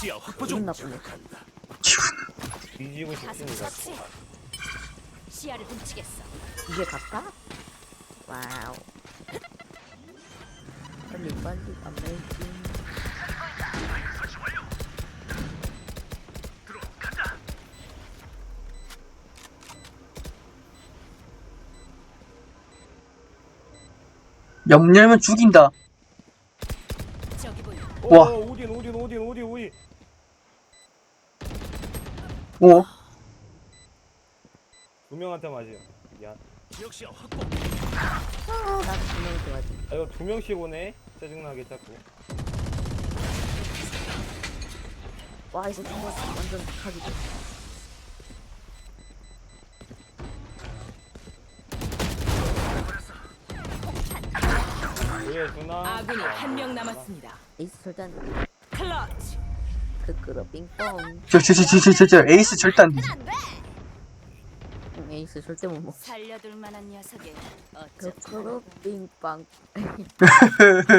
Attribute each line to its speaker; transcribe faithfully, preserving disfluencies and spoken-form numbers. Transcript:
Speaker 1: 시야 확보
Speaker 2: 기분
Speaker 1: 중.
Speaker 2: 나쁘네.
Speaker 3: 뒤지고
Speaker 4: 가슴
Speaker 3: 싶습니다.
Speaker 4: 처치. 시야를 훔치겠어.
Speaker 2: 이게 갔다? 와우. 빨리 빨리 아메이징.
Speaker 5: 염려면 죽인다.
Speaker 4: 저기 보여.
Speaker 5: 와.
Speaker 3: 오, 오딘 오딘 오딘 오딘 오딘.
Speaker 5: 오.
Speaker 3: 두 명한테 맞아요. 미안.
Speaker 1: 지역 시야 확보.
Speaker 2: 아, 나도 분명히 좋아하지.
Speaker 3: 아 이거 두 명씩 오네. 짜증나게 자꾸.
Speaker 2: 와, 이거 정말 완전 각이다.
Speaker 3: 왜 누나?
Speaker 4: 아군이 한 명 남았습니다.
Speaker 2: 에이스 절대 안 돼.
Speaker 4: 클러치.
Speaker 2: 그 끌어 빙뽕.
Speaker 5: 저, 저, 저, 저, 저, 저, 저, 에이스 절대 안 되지.
Speaker 2: 응, 에이스 절대 못 먹어.
Speaker 4: 살려둘 만한 녀석이
Speaker 2: 그
Speaker 4: 어쩌
Speaker 2: 끌어 빙빵.